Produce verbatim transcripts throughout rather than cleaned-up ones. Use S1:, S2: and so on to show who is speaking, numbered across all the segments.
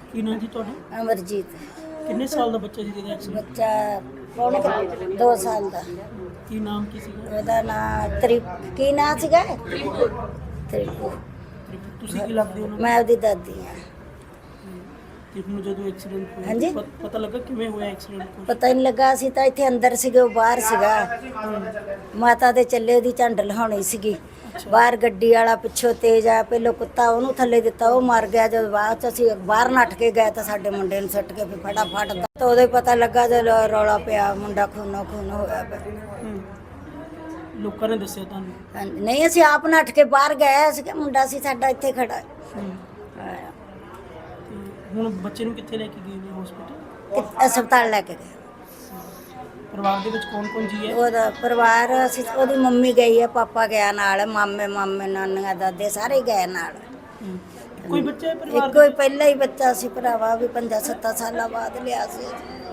S1: ਕੀ ਨਾਮ ਜੀ ਤੁਹਾਡਾ?
S2: ਅਮਰਜੀਤ।
S1: ਕਿੰਨੇ ਸਾਲ ਦਾ ਬੱਚਾ ਸੀ ਜਿਹਦਾ ਐਕਸੀਡੈਂਟ?
S2: ਬੱਚਾ ਪੌਣੇ ਦੋ ਸਾਲ ਦਾ।
S1: ਕੀ ਨਾਮ ਕੀ ਸੀਗਾ?
S2: ਉਹਦਾ ਨਾਂ ਤ੍ਰਿਪ ਕੀ ਨਾਂ ਸੀਗਾ? ਤ੍ਰਿਪੂ।
S1: ਤੁਸੀਂ ਕੀ ਲੱਗਦੇ ਹੋ ਉਹਨਾਂ ਨੂੰ?
S2: ਮੈਂ ਉਹਦੀ ਦਾਦੀ ਹਾਂ।
S1: ਤੇ ਹੁਣ ਜਦੋਂ ਐਕਸੀਡੈਂਟ ਹੋਇਆ
S2: ਹਾਂਜੀ?
S1: ਪ- ਪਤਾ ਲੱਗਾ ਕਿਵੇਂ ਹੋਇਆ ਐਕਸੀਡੈਂਟ?
S2: ਪਤਾ ਹੀ ਨਹੀਂ ਲੱਗਾ, ਅਸੀਂ ਤਾਂ ਇੱਥੇ ਅੰਦਰ ਸੀਗੇ, ਉਹ ਬਾਹਰ ਸੀਗਾ। ਮਾਤਾ ਦੇ ਚੱਲੇ ਉਹਦੀ ਝੰਡ ਲਹਾਉਣੀ ਸੀਗੀ। ਬਾਹਰ ਗੱਡੀ ਵਾਲਾ ਪਿੱਛੋਂ ਤੇਜ਼ ਆ, ਪਹਿਲੋਂ ਕੁੱਤਾ ਉਹਨੂੰ ਥੱਲੇ ਦਿੱਤਾ, ਉਹ ਮਰ ਗਿਆ। ਜਦੋਂ ਬਾਅਦ ਚ ਅਸੀਂ ਬਾਹਰ ਨੱਠ ਕੇ ਗਏ ਤਾਂ ਸਾਡੇ ਮੁੰਡੇ ਨੂੰ ਸੁੱਟ ਕੇ ਫਿਰ ਫਟਾਫਟ ਤਾਂ ਉਦੋਂ ਹੀ ਪਤਾ ਲੱਗਾ ਜਦੋਂ ਰੌਲਾ ਪਿਆ, ਮੁੰਡਾ ਖੂਨੋ ਖੂਨ ਹੋਇਆ ਪਿਆ।
S1: ਹੂੰ। ਲੋਕਾਂ ਨੇ ਦੱਸਿਆ ਤੁਹਾਨੂੰ?
S2: ਹਾਂਜੀ, ਨਹੀਂ ਅਸੀਂ ਆਪ ਨੱਠ ਕੇ ਬਾਹਰ ਗਏ, ਅਸੀਂ ਕਿ ਮੁੰਡਾ ਸੀ ਸਾਡਾ ਇੱਥੇ ਖੜਾ ਹੈ।
S1: ਹੂੰ।
S2: ਹਾਂ।
S1: ਤੇ ਹੁਣ ਬੱਚੇ ਨੂੰ ਕਿੱਥੇ ਲੈ ਕੇ ਗਏ ਨੇ ਹਸਪੀਟਲ?
S2: ਕਿ- ਹਸਪਤਾਲ ਲੈ ਕੇ ਗਏ।
S1: ਪਰਿਵਾਰ ਦੇ ਵਿੱਚ ਕੌਣ ਕੌਣ ਜੀ ਹੈ?
S2: ਉਹਦਾ ਪਰਿਵਾਰ ਅਸੀਂ ਉਹਦੀ ਮੰਮੀ ਗਈ ਹੈ, ਪਾਪਾ ਗਿਆ ਨਾਲ, ਮਾਮੇ ਮਾਮੇ ਨਾਨੀਆਂ ਦਾਦੇ ਸਾਰੇ ਗਏ ਨਾਲ।
S1: ਹੂੰ। ਕੋਈ ਬੱਚਾ ਹੈ ਪਰਿਵਾਰ
S2: ਇੱਕੋ ਹੀ ਪਹਿਲਾ ਹੀ ਬੱਚਾ ਸੀ ਭਰਾਵਾ, ਵੀ ਪੰਜਾਂ ਸੱਤਾਂ ਸਾਲਾਂ ਬਾਅਦ ਲਿਆ ਸੀ।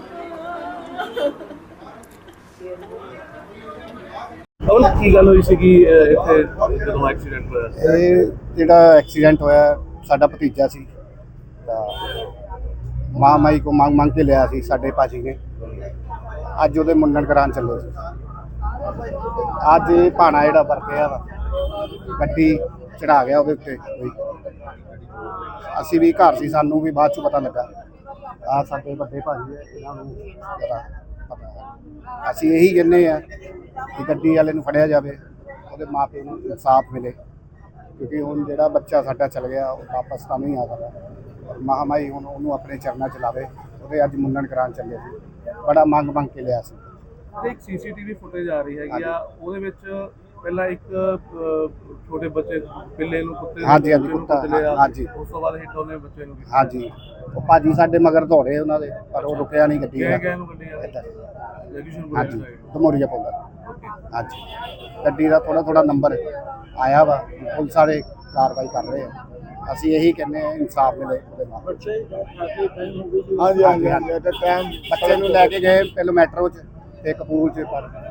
S3: ਉਹ ਕੀ ਗੱਲ ਹੋਈ ਸੀਗੀ ਇੱਥੇ ਜਦੋਂ ਐਕਸੀਡੈਂਟ ਹੋਇਆ?
S4: ਇਹ ਜਿਹੜਾ ਐਕਸੀਡੈਂਟ ਹੋਇਆ ਸਾਡਾ ਭਤੀਜਾ ਸੀ ਤਾਂ ਮਾਂ ਮਾਈ ਕੋ ਮੰਗ ਮੰਗ ਕੇ ਲਿਆ ਸੀ ਸਾਡੇ ਭਾਜੀ ਨੇ। ਅੱਜ ਉਹਦੇ ਮੁੰਡਨ ਕਰਾਉਣ ਚੱਲੇ ਸੀ। ਅੱਜ ਇਹ ਭਾਣਾ ਜਿਹੜਾ ਵਰਤਿਆ ਵਾ ਗੱਡੀ ਚੜਾ ਗਿਆ ਉਹਦੇ ਉੱਤੇ ਕੋਈ। ਅਸੀਂ ਵੀ ਘਰ ਸੀ, ਸਾਨੂੰ ਵੀ ਬਾਅਦ 'ਚ ਪਤਾ ਲੱਗਾ। ਆ ਸਾਡੇ ਵੱਡੇ ਭਾਜੀ ਹੈ, ਇਹਨਾਂ ਨੂੰ ਪਤਾ ਪਤਾ ਹੈ। ਅਸੀਂ ਇਹੀ ਕਹਿੰਦੇ ਆ ਕਿ ਗੱਡੀ ਵਾਲੇ ਨੂੰ ਫੜਿਆ ਜਾਵੇ, ਉਹਦੇ ਮਾਂ ਪਿਓ ਨੂੰ ਇਨਸਾਫ ਮਿਲੇ, ਕਿਉਂਕਿ ਹੁਣ ਜਿਹੜਾ ਬੱਚਾ ਸਾਡਾ ਚਲ ਗਿਆ ਉਹ ਵਾਪਸ ਤਾਂ ਨਹੀਂ ਆ ਸਕਦਾ। ਮਹਾਮਾਈ ਹੁਣ ਉਹਨੂੰ ਆਪਣੇ ਚਰਨਾਂ 'ਚ ਲਾਵੇ। ਉਹਦੇ ਅੱਜ ਮੁੰਡਨ ਕਰਾਉਣ ਚੱਲੇ ਸੀ, ਬੜਾ ਮੰਗ ਮੰਗ ਕੇ ਲਿਆ ਸੀ।
S3: ਇੱਕ ਸੀਸੀਟੀਵੀ ਫੁਟੇਜ ਆ ਰਹੀ ਹੈਗੀ ਆ, ਉਹਦੇ ਵਿੱਚ ਪਹਿਲਾਂ ਇੱਕ ਅਹ, ਛੋਟੇ ਬੱਚੇ ਬਿੱਲੇ ਨੂੰ ਕੁੱਤੇ ਨੂੰ
S4: ਹਾਂਜੀ, ਹਾਂਜੀ,
S3: ਬੱਚੇ ਨੂੰ
S4: ਕੁੱਤਾ,
S3: ਕੁੱਟ ਲਿਆ।
S4: ਹਾਂਜੀ।
S3: ਉਸ ਤੋਂ ਬਾਅਦ ਹਿੱਟ ਉਹਨੇ ਬੱਚੇ ਨੂੰ ਕੀਤੀ।
S4: ਹਾਂਜੀ, ਉਹ ਭਾਜੀ ਸਾਡੇ ਮਗਰ ਦੌੜੇ ਉਹਨਾਂ ਦੇ, ਪਰ ਉਹ ਰੁਕਿਆ ਨਹੀਂ ਗੱਡੀ
S3: ਗਏ
S4: ਦਾ।
S3: ਗਏ ਨੂੰ ਗੱਡੀ ਆ
S4: ਇੱਧਰ।
S3: ਜਗੀਸ਼ਨ
S4: ਹਾਂਜੀ,
S3: ਸਾਈਡ।
S4: ਧਮੋਰੀਆ ਪਾਉਂਦਾ। ਹਾਂਜੀ, ਗੱਡੀ ਦਾ ਥੋੜਾ ਥੋੜਾ ਨੰਬਰ ਆਇਆ ਵਾ, ਪੁਲਿਸ ਵਾਲੇ ਕਾਰਵਾਈ ਕਰ ਰਹੇ ਆ। ਅਸੀਂ ਇਹੀ ਕਹਿੰਦੇ ਆ ਇਨਸਾਫ ਮਿਲੇ ਉਹਦੇ ਨਾਲ। ਹਾਂਜੀ ਹਾਂਜੀ ਹਾਂਜੀ ਟਾਈਮ ਬੱਚੇ ਨੂੰ ਲੈ ਕੇ ਗਏ ਪਹਿਲਾਂ ਮੈਟਰੋ 'ਚ ਤੇ ਕਪੂਰ 'ਚ, ਪਰ